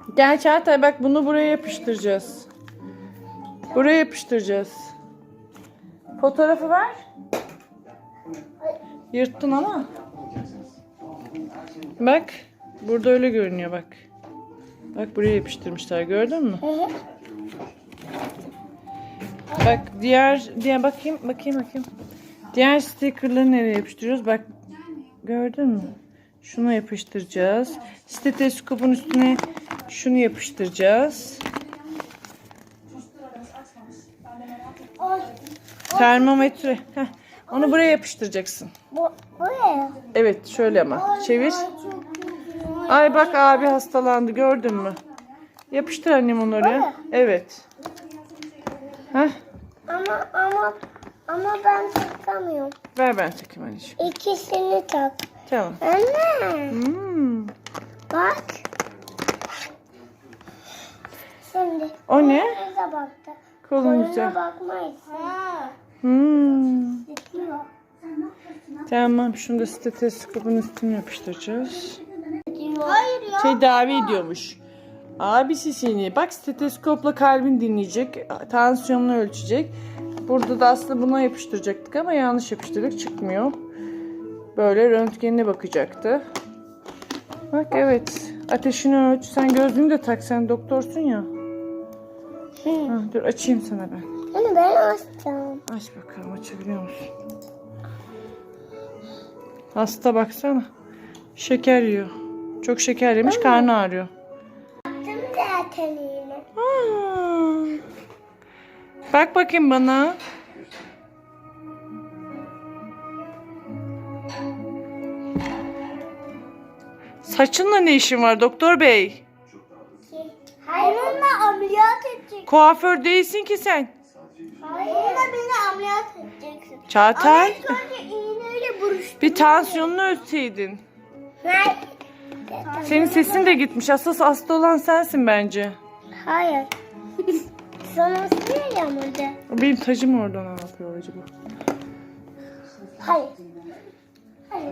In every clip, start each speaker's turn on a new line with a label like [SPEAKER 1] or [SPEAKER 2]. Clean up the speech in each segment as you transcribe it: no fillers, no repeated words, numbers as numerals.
[SPEAKER 1] Gel Çağatay, bak bunu buraya yapıştıracağız. Buraya yapıştıracağız. Fotoğrafı ver. Yırttın ama. Bak. Burada öyle görünüyor bak. Bak buraya yapıştırmışlar, gördün mü? Bak diğer bakayım. Diğer stickerları nereye yapıştırıyoruz? Bak gördün mü? Şunu yapıştıracağız. Steteskopun üstüne şunu yapıştıracağız. Termometre. Heh, onu buraya yapıştıracaksın.
[SPEAKER 2] Buraya.
[SPEAKER 1] Evet, şöyle ama. Çevir. Ay bak, abi hastalandı, gördün mü? Yapıştır annem onu oraya. Evet. Heh.
[SPEAKER 2] Ama ben takamıyorum.
[SPEAKER 1] Ver ben takayım anneciğim.
[SPEAKER 2] İkisini tak.
[SPEAKER 1] Tamam.
[SPEAKER 2] Anne. Bak. Şimdi.
[SPEAKER 1] O ne?
[SPEAKER 2] Kolunuza baktı.
[SPEAKER 1] Kolumuza.
[SPEAKER 2] Koluna bakmayız. Gidiyor.
[SPEAKER 1] Tamam, şunu da steteskopun üstüne yapıştıracağız.
[SPEAKER 2] Hayır ya.
[SPEAKER 1] Tedavi ediyormuş. Abisi seni. Bak, steteskopla kalbin dinleyecek. Tansiyonunu ölçecek. Burada da aslında buna yapıştıracaktık ama yanlış yapıştırdık. Çıkmıyor. Böyle röntgenine bakacaktı. Bak evet. Ateşini ölç. Sen gözlüğünü de tak. Sen doktorsun ya. Ha, dur açayım sana ben.
[SPEAKER 2] Anne ben açacağım.
[SPEAKER 1] Aç bakalım, açabiliyor musun? Hasta baksana. Şeker yiyor. Çok şeker yemiş, karnı ağrıyor.
[SPEAKER 2] Baktım zaten yine.
[SPEAKER 1] Bak bakayım bana. Saçınla ne işin var doktor bey?
[SPEAKER 2] Hayır. Onunla ameliyat edeceksin.
[SPEAKER 1] Kuaför değilsin ki sen.
[SPEAKER 2] Hayır. Onunla beni ameliyat edeceksin.
[SPEAKER 1] Çağatay.
[SPEAKER 2] Ama önce iğneyle buruştur.
[SPEAKER 1] Bir tansiyonunu ölçseydin.
[SPEAKER 2] Hayır.
[SPEAKER 1] Senin sesin de gitmiş. Asıl hasta olan sensin bence.
[SPEAKER 2] Hayır. Sana söyleyeceğim orada.
[SPEAKER 1] Benim tacım orada ne yapıyor acaba?
[SPEAKER 2] Hayır. Hayır.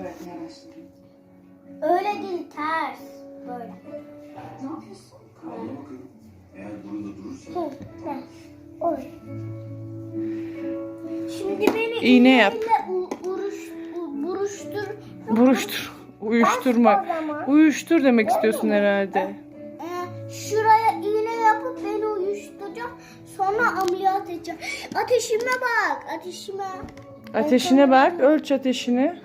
[SPEAKER 2] Öyle değil, ters. Böyle.
[SPEAKER 3] Ne yapıyorsun? Kalma bakalım. Eğer burada durursa.
[SPEAKER 2] Ters. Oy. Şimdi beni
[SPEAKER 1] İğne yap.
[SPEAKER 2] buruştur.
[SPEAKER 1] Buruştur. Uyuşturma.
[SPEAKER 2] O zaman.
[SPEAKER 1] Uyuştur demek istiyorsun herhalde.
[SPEAKER 2] Şuraya iğne yapıp beni uyuşturacağım. Sonra ameliyat edeceğim. Ateşime bak. Ateşime.
[SPEAKER 1] Ateşine bak. Ölç ateşini.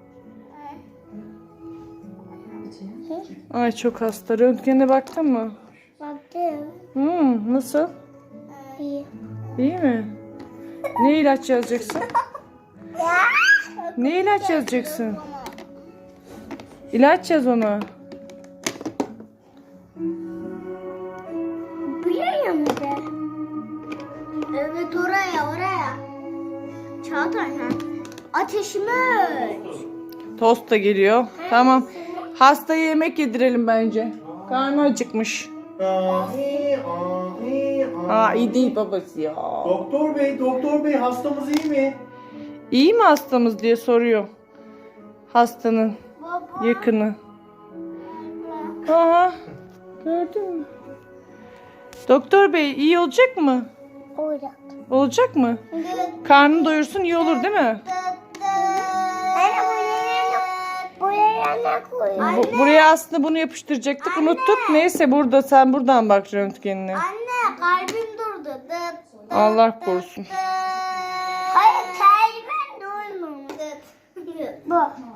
[SPEAKER 1] Ay çok hasta. Röntgene baktın mı?
[SPEAKER 2] Baktım.
[SPEAKER 1] Nasıl?
[SPEAKER 2] İyi.
[SPEAKER 1] İyi mi? Ne ilaç yazacaksın? Ne ilaç yazacaksın? İlaç yaz ona.
[SPEAKER 2] Buraya mı de? Evet, oraya. Çağatay ha. Ateşimi ölç.
[SPEAKER 1] Tost da geliyor. Tamam. Hastaya yemek yedirelim bence. Karnı acıkmış. İyi değil babası ya.
[SPEAKER 3] Doktor bey hastamız iyi mi?
[SPEAKER 1] İyi mi hastamız diye soruyor. Hastanın
[SPEAKER 2] Baba.
[SPEAKER 1] yakını. Aha. Gördün mü? Doktor bey iyi olacak mı?
[SPEAKER 2] Olacak.
[SPEAKER 1] Olacak mı? Karnını doyursun, iyi olur değil mi?
[SPEAKER 2] Buraya ne koyuyorsun?
[SPEAKER 1] Buraya aslında bunu yapıştıracaktık. Unuttuk. Neyse, burada sen buradan bak röntgenine.
[SPEAKER 2] Anne, kalbim durdu.
[SPEAKER 1] Allah korusun.
[SPEAKER 2] Hayır, kalbim durmadı. Bu.